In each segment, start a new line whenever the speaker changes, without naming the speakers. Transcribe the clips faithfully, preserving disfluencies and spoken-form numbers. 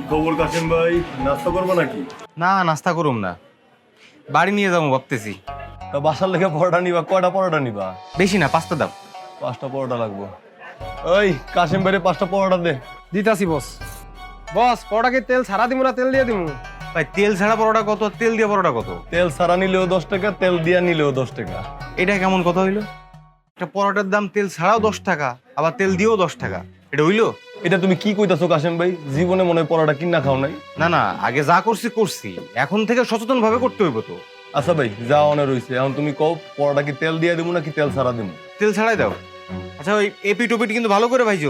খবর কাসেম ভাই, নাস্তা করবো নাকি?
না, নাস্তা করুম না, বাড়ি নিয়ে যাবো ভাবতেছি।
তা বাসার লেগে পরোটা নিবা? কয়টা পরোটা নিবা?
বেশি না, পাঁচটা দাও।
পাঁচটা পরোটা লাগবো। ওই কাসেম ভাইরে পাঁচটা পরোটা দে।
দিতাছি বস। বস পরোটাকে তেল ছাড়া দিমু না তেল দিয়ে দিমু?
ভাই তেল ছাড়া পরোটা কত, তেল দিয়ে পরোটা কত?
তেল সারা নিলেও দশ টাকা, তেল দিয়া নিলেও দশ টাকা।
এটা কেমন কথা হইলো? একটা পরোটার দাম তেল ছাড়াও দশ টাকা, আবার তেল দিয়েও দশ টাকা, এটা হইলো?
এটা তুমি কি কইতাছো কাসেম ভাই? জীবনে মনে হয় পরোটা কিনা খাও নাই?
না না, আগে যা করছি করছি, এখন থেকে সচেতন ভাবে করতে হইব তো।
আচ্ছা ভাই, যা অনে রইছে, এখন তুমি কও পরোটা কি তেল দিয়ে দেবো নাকি তেল সারা দেবো?
তেল ছাড়াই দাও। আচ্ছা ওই এপি টপিট কিন্তু ভালো করে ভাইজো।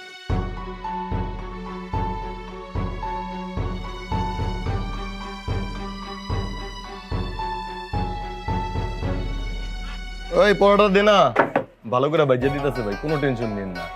ওই পরোটা দে না, ভালো করে ভাইজা দিতেছে ভাই, কোনো টেনশন নিন না।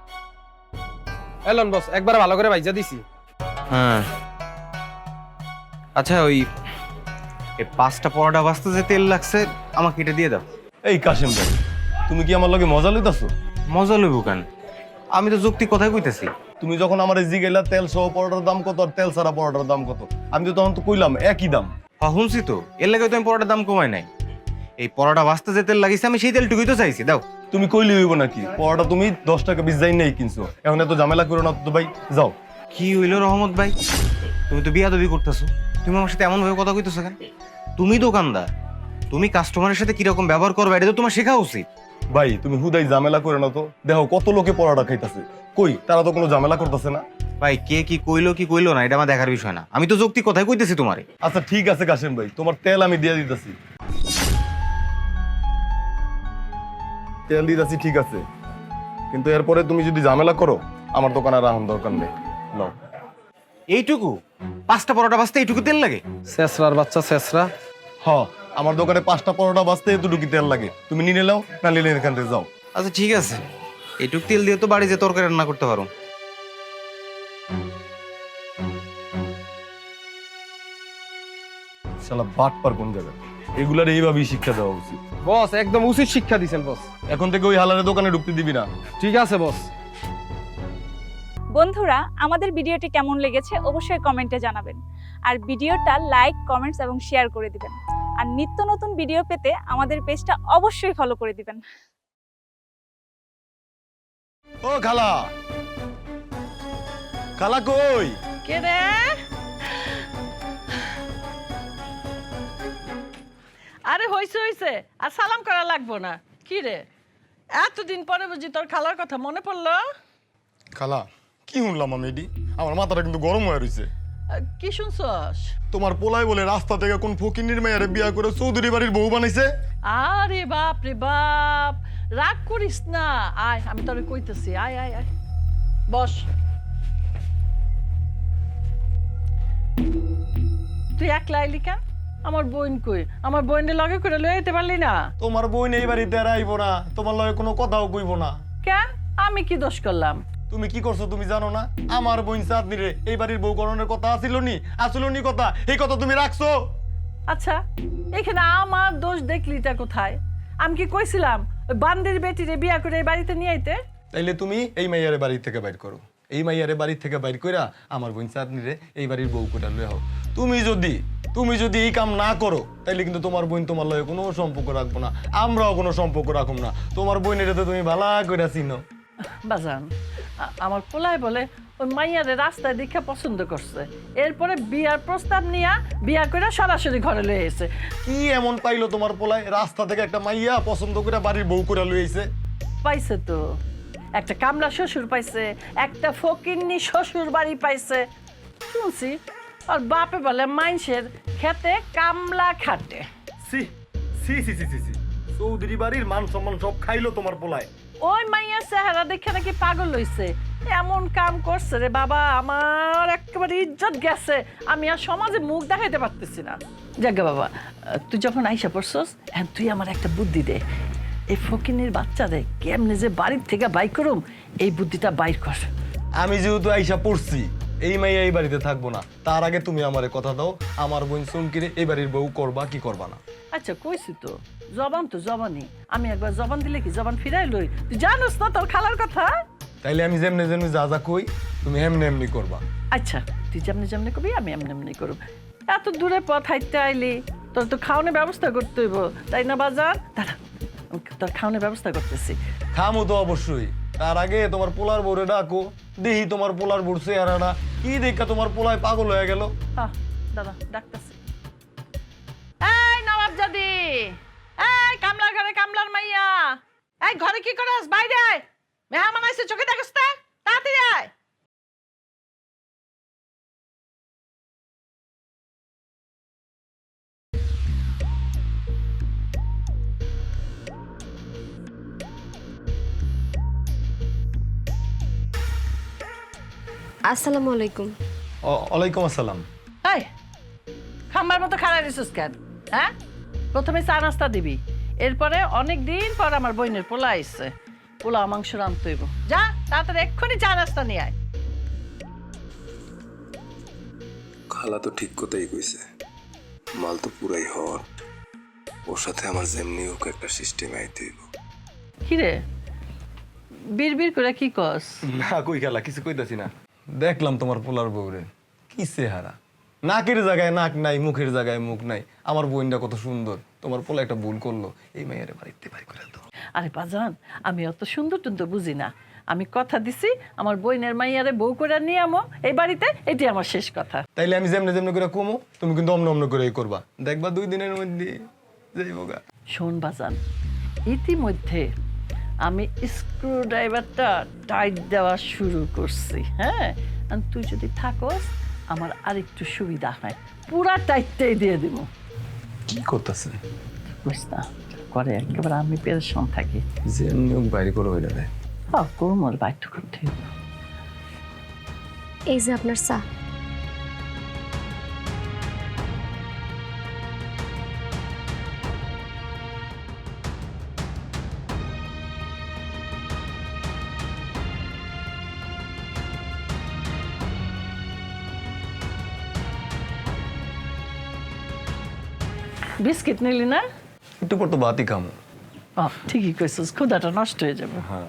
এলন বস, একবার ভালো করে ভাইজা দিছি।
হ্যাঁ আচ্ছা, ওই এই পাঁচটা পরোটা বাঁচতে যে তেল লাগছে আমাকে এটা দিয়ে দাও।
এই কাসেম ভাই, তুমি কি আমার লগে মজা লইতাছো?
মজা লইব কেন? আমি তো যুক্তি কথাই কইতেছি।
তুমি যখন আমার জিগেলা তেল সহ পরোটার দাম কত আর তেল ছাড়া পরোটার দাম কত, আমি তো তখন তো কইলাম একই দাম।
হ্যাঁ শুনছি তো, এর লাগে তো আমি পরোটার দাম কমাই নাই। এই পরোটা বাঁচতে যে তেল লাগিছে আমি সেই তেলটুকুই তো চাইছি, দাও।
তুমি কইলে হইব নাকি? পরোটা তুমি দশ টাকা বিশ যাই নেই কিনছো, এখন এত ঝামেলা করো না তো ভাই, যাও।
কি হইলো রহমত ভাই, তুমি তো বিয়াদবি করতেছো। তুমি আমার সাথে এমন ভাবে কথা কইতেছো কেন? তুমি দোকানদার, তুমি কাস্টমারের সাথে কিরকম ব্যবহার করবে এটা তো তোমার শেখা উচিত।
ভাই তুমি হুদাই ঝামেলা করে না তো, দেখো কত লোকে পরোটা খাইতাছে, কই তারা তো কোনো ঝামেলা করতেছে না।
ভাই কে কি কইলো কি কইলো না এটা আমার দেখার বিষয় না, আমি তো যুক্তি কথাই কইতেছি তোমারে।
আচ্ছা ঠিক আছে কাসেম ভাই, তোমার তেল আমি দিয়ে দিতেছি। তেল দিতেছি ঠিক আছে, কিন্তু এরপরে তুমি যদি ঝামেলা করো আমার দোকানে রাখুন দরকার নেই। নাও।
এইটুকু পাঁচটা পরোটা বাঁচতে এইটুকু তেল লাগে?
শেষরার বাচ্চা শেষরা।
হ, আমার দোকানে পাঁচটা পরোটা বাঁচতে এতটুকু তেল লাগে, তুমি নিয়ে নাও না নিলে এখান থেকে যাও।
আচ্ছা ঠিক আছে, এইটুক তেল দিয়ে তো বাড়ি যে তরকারি রান্না করতে পারো।
শালা বাটপার কোন জায়গায়, এগুলার এইভাবেই শিক্ষা দেওয়া উচিত।
বস একদম উচিত শিক্ষা দিছেন বস।
এখন থেকে ওই হালারে দোকানে ঢুকতে দিবি না।
ঠিক আছে বস।
বন্ধুরা, আমাদের ভিডিওটি কেমন লেগেছে অবশ্যই কমেন্টে জানাবেন। আর ভিডিওটা লাইক, কমেন্টস এবং শেয়ার করে দিবেন। আর নিত্য নতুন ভিডিও পেতে আমাদের পেজটা অবশ্যই ফলো করে দিবেন।
ও খালা, খালা কই?
কে রে? আরে হইছে হইছে, আর সালাম করা লাগবো না। কি রে, এতদিন পরে বুঝি তোর খালার কথা মনে পড়লো?
খালা কি শুনলাম আমি এটি? আমার মাথাটা কিন্তু গরম হয়ে রয়েছে।
আহ, কি শুনছস?
তোমার পোলাই বলে রাস্তা থেকে কোন ফকিন্নির মেয়েরে বিয়া করে চৌধুরী বাড়ির বউ বানাইছে।
আরে বাপ রে বাপ, রাগ করিস না। আয় আমি তোরে কইতেছি, আয় আয় আয়, বস। তুই একলা আইলি কেন? আমার বোন কই? আমার বোনের লগে করে লয়ে যেতে পারলি না?
তোমার বোন এই বাড়িতে আর আইবো না, তোমার লগে কোনো কথাও কইবো না।
কেন? আমি কি দোষ করলাম?
তুমি কি করছো তুমি জানো না? আমার বোন চাঁদনি রে এই বাড়ির বউ করণের কথা আসিল নি, আসিল নি কথা, এই কথা তুমি রাখছো।
আচ্ছা, এখানে আমার দোষ দেখলিটা কোথায়? আমি কি কইছিলাম ওই বান্দির বেটিরে বিয়া করে এই বাড়িতে নিয়ে আইতে?
তাইলে তুমি এই মাইয়ারে বাড়ি থেকে বাইর করো, এই মাইয়ারে বাড়ি থেকে বাইর কইরা আমার বোন চাঁদনি রে এই বাড়ির বউ করে লয়ে হও। তুমি যদি তুমি যদি এই কাম না করো তাইলে কিন্তু তোমার বোন তোমার লগে কোনো সম্পর্ক রাখবো না, আমরাও কোনো সম্পর্ক রাখবো না। তোমার বোনের তো তুমি ভালো করে চিনো।
বাজান, আ- আমার পোলায় বলে ওই মাইয়ারে রাস্তায় দেখে পছন্দ করছে, এরপরে বিয়ার প্রস্তাব নিয়া বিয়া করে সরাসরি ঘরে লয়ে এসে।
কি এমন পাইলো তোমার পোলায় রাস্তা থেকে একটা মাইয়া পছন্দ করে বাড়ির বউ করে লয়ে আইছে?
পাইছে তো, একটা কামলা শ্বশুর পাইছে, একটা ফকিন্নি শ্বশুর বাড়ি পাইছে। শুনছি আর বাপে বলে মাইনসের খেতে কামলা খাটে।
সি সি সি সি সি চৌধুরী বাড়ির মান সম্মান সব খাইলো তোমার পোলায়।
ওই মাইয়ার চেহারা দেখে নাকি পাগল হইছে, এমন কাম করছে রে বাবা, আমার একেবারে ইজ্জত গেছে, আমি আর সমাজে মুখ দেখাইতে পারতেছি না। যাকে বাবা, তুই যখন আইসা পড়ছস, এখন তুই আমার একটা বুদ্ধি দে। এই ফকিনের বাচ্চাদের কেমনে যে বাড়ির থেকে বাইর করুম, এই বুদ্ধিটা বাইর কর।
আমি যেহেতু আইসা পড়ছি, এই মাইয়া এই বাড়িতে থাকবো না, তার আগে তুমি আমারে কথা দাও, আমার বোন চুমকিরে এই বাড়ির বউ করবা কি করবা না?
আচ্ছা কইছি তো, জবান তো জবানই, আমি একবার জবান দিলে কি জবান ফিরাই লই? তুই জানোস না তোর খালার কথা?
তাইলে আমি যেমনি যেমনি যা যা কই তুমি এমনি এমনি করবা।
আচ্ছা তুই যেমনি যেমনি করবি আমি এমনি এমনি করব। এত দূরে পথ হাইতে আইলি, তোর তো খাওয়ানোর ব্যবস্থা করতে হইব, তাই না বাজার? দাঁড়া, আমি তোর খাওয়ানোর ব্যবস্থা করতেছি।
খামো তো অবশ্যই, তার আগে তোমার পোলার বউরে ডাকো, দেখি তোমার পোলার বউর চেহারাটা কি দেখা তোমার পোলায় পাগল হয়ে গেল।
হ্যাঁ দাদা ডাকতেছি। এই নবাব জাদি, এই কামলার ঘরে কামলার মাইয়া, এই ঘরে কি করস? বাইরে আয়, মেহমান আইছে, চোখে দেখস না, তাড়াতাড়ি আয়।
আসসালামু আলাইকুম।
ও- ওয়ালাইকুম আসসালাম।
এই খাম্বার মতো খাড়া দিছিস কেন? হ্যাঁ, প্রথমে চা নাস্তা দিবি, এরপরে অনেক দিন পর আমার বোনের পোলা আইছে, পোলা মাংস রাঁধতে হইব। যা তাড়াতাড়ি এক্ষুনি চা নাস্তা নিয়ে আয়।
খালা তো ঠিক কথাই কইছে, মাল তো পুরাই হট, ওর সাথে আমার যেমনি হোক একটা সিস্টেম আইতে হইব।
কিরে বীর বীর করে কি কস?
না কই খেলা কিছু কইতাছি না। দেখলাম তোমার পোলার বউরে, কি চেহারা, নাকের জায়গায় নাক নাই, মুখের জায়গায় মুখ নাই। আমার বোনটা কত সুন্দর, তোমার পোলা একটা ভুল করলো, এই মেয়ের বাড়িতে বাড়ি করে দাও।
আরে বাজান, আমি অত সুন্দর টুন্দর বুঝি না, আমি কথা দিছি আমার বোনের মাইয়ারে বউ করে নিয়ে আমো এই বাড়িতে, এটি আমার শেষ কথা।
তাইলে আমি যেমনি যেমনি করে কমো, তুমি কিন্তু অমন অমন করে করবা, দেখবা দুই দিনের মধ্যে যাইবগা।
শোন বাজান, ইতিমধ্যে আমি স্ক্রু ড্রাইভারটা টাইট দেওয়া শুরু করছি। হ্যাঁ, আর তুই যদি থাকস আমার আরেকটু সুবিধা হয়, পুরা টাইটটাই দিয়ে দিব।
কি করতেছে
বুঝ না করে একেবারে আমি পেরেশান থাকি।
যেমনি হোক বাইরে করে হয়ে যাবে।
হ্যাঁ, কোমর বাইট করতে হইব।
এই যে আপনার চা।
বিস্কিট নিলি না?
একটু পর তো বাতি খামো।
ও ঠিকই কইছিস, ক্ষুধাটা নষ্ট হয়ে যাবে।
হ্যাঁ,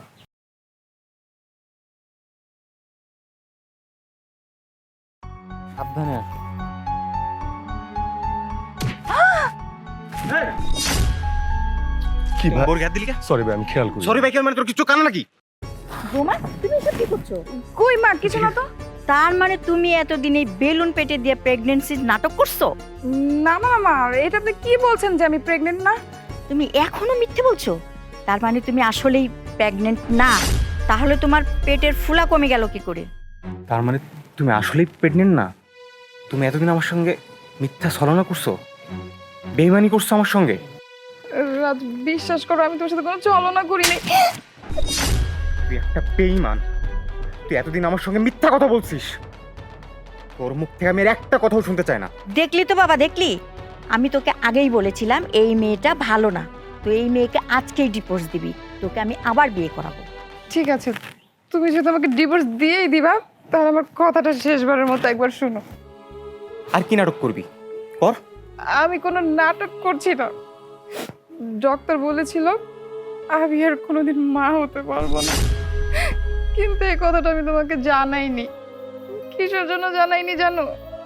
সাবধানে আসো।
কি ভাই?
বোর গায়ে দিলি কে?
সরি ভাই, আমি খেয়াল করি।
সরি ভাই, কেন মানে তোর কিছু কানা নাকি?
বোমা তুমি এসব কি করছো? কই মা, কিছু না তো।
তার মানে তুমি এতদিন এই বেলুন পেটে দিয়ে প্রেগন্যান্সির নাটক করছো?
না না মা, এটা আপনি কি বলছেন যে আমি প্রেগনেন্ট না?
তুমি এখনো মিথ্যে বলছো? তার মানে তুমি আসলেই প্রেগন্যান্ট না? তাহলে তোমার পেটের ফুলা কমে গেল কি করে?
তার মানে তুমি আসলেই প্রেগনেন্ট না? তুমি এতদিন আমার সঙ্গে মিথ্যা ছলনা করছো, বেইমানি করছো আমার সঙ্গে।
রাজ বিশ্বাস করো, আমি তোমার সাথে কোনো ছলনা করিনি।
তুই একটা বেইমান, তুই এতদিন আমার সঙ্গে মিথ্যা কথা বলছিস। তোর মুখ থেকে আমি আর একটা কথাও শুনতে চাই না।
দেখলি তো বাবা, দেখলি? আমি তোকে আগেই বলেছিলাম এই মেয়েটা ভালো না, তো এই মেয়েকে আজকেই ডিভোর্স দিবি, তোকে আমি আবার বিয়ে করাবো।
ঠিক আছে, তুমি যদি আমাকে ডিভোর্স দিয়েই দিবা, তাহলে আমার কথাটা শেষবারের মতো একবার শুনো।
আর কি নাটক করবি কর।
আমি কোনো নাটক করছি না। ডক্টর বলেছিল আমি আর কোনোদিন মা হতে পারবো না, কিন্তু এই কথাটা আমি তোমাকে জানাইনি। কিসের জন্য জানাইনি জানো?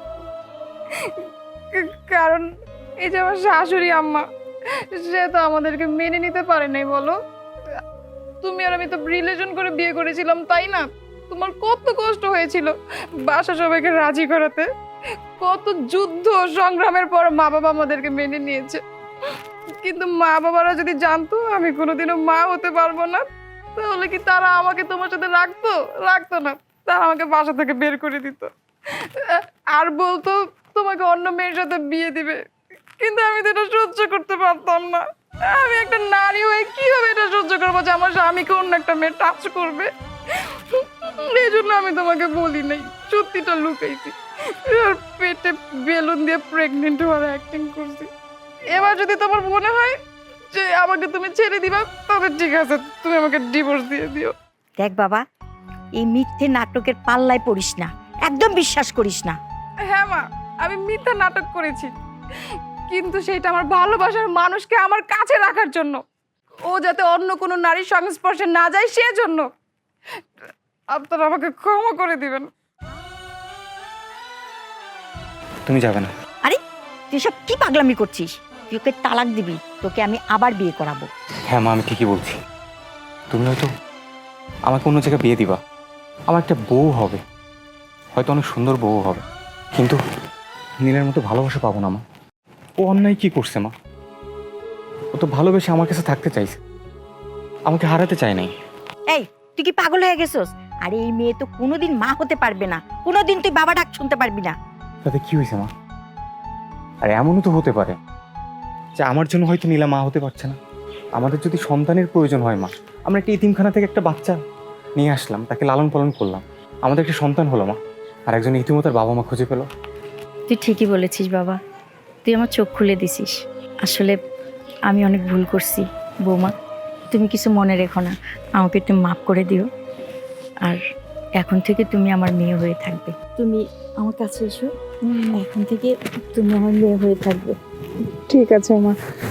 কারণ এই যে আমার শাশুড়ি আম্মা, সে তো আমাদেরকে মেনে নিতে পারে নাই। বলো, তুমি আর আমি তো রিলেশন করে বিয়ে করেছিলাম, তাই না? তোমার কত কষ্ট হয়েছিল বাসা সবাইকে রাজি করাতে, কত যুদ্ধ সংগ্রামের পর মা বাবা আমাদেরকে মেনে নিয়েছে। কিন্তু মা বাবারা যদি জানতো আমি কোনোদিনও মা হতে পারবো না, তাহলে কি তারা আমাকে তোমার সাথে রাখতো? রাখতো না, তারা আমাকে বাসা থেকে বের করে দিত আর বলতো তোমাকে অন্য মেয়ের সাথে বিয়ে দিবে। কিন্তু আমি তো এটা সহ্য করতে পারতাম না। আমি একটা নারী হয়ে কিভাবে এটা সহ্য করবো যে আমার স্বামীকে অন্য একটা মেয়ে টাচ করবে? এই জন্য আমি তোমাকে বলি নাই, সত্যিটা লুকাইছি আর পেটে বেলুন দিয়ে প্রেগনেন্ট হওয়ার অ্যাক্টিং করছি। এবার যদি তোমার মনে হয় যে আমাকে তুমি ছেড়ে দিবা, তবে ঠিক আছে, তুমি আমাকে ডিভোর্স দিয়ে দিও।
দেখ বাবা, এই মিথ্যে নাটকের পাল্লায় পড়িস না, একদম বিশ্বাস করিস না।
হ্যাঁ মা, আমি মিথ্যা নাটক করেছি, কিন্তু সেটা আমার ভালোবাসার মানুষকে আমার কাছে রাখার জন্য, ও যাতে অন্য কোনো নারীর সংস্পর্শে না যায় সেজন্য। আপনারা আমাকে ক্ষমা করে দিবেন।
তুমি যাবে না।
আরে তুই সব কি পাগলামি করছিস? তুই ওকে তালাক দিবি, তোকে আমি আবার বিয়ে করাবো।
হ্যাঁ মা, আমি ঠিকই বলছি। তুমি হয়তো আমাকে অন্য জায়গায় বিয়ে দিবা, আমার একটা বউ হবে, হয়তো অনেক সুন্দর বউ হবে, কিন্তু নীলের মতো ভালোবাসা পাবো না মা। ও অন্যায় কি করছে মা? ও তো ভালোবেসে আমার কাছে থাকতে চাইছে, আমাকে হারাতে চায় নাই।
এই তুই কি পাগল হয়ে গেছিস? আরে এই মেয়ে তো কোনোদিন মা হতে পারবে না, কোনোদিন তুই বাবা ডাক শুনতে পারবি না।
তাতে কি হয়েছে মা? আর এমনও তো হতে পারে যে আমার জন্য হয়তো নীলা মা হতে পারছে না। আমাদের যদি সন্তানের প্রয়োজন হয় মা, আমরা একটা ইতিমখানা থেকে একটা বাচ্চা নিয়ে আসলাম, তাকে লালন পালন করলাম, আমাদের একটা সন্তান হলো মা, আর একজন ইতিমতার বাবা মা খুঁজে পেল।
তুই ঠিকই বলেছিস বাবা, তুই আমার চোখ খুলে দিছিস। আসলে আমি অনেক ভুল করছি বৌমা, তুমি কিছু মনে রেখো না, আমাকে একটু মাফ করে দিও। আর এখন থেকে তুমি আমার মেয়ে হয়ে থাকবে। তুমি আমার কাছে এসো, এখন থেকে তুমি আমার মেয়ে হয়ে থাকবে।
ঠিক আছে মা।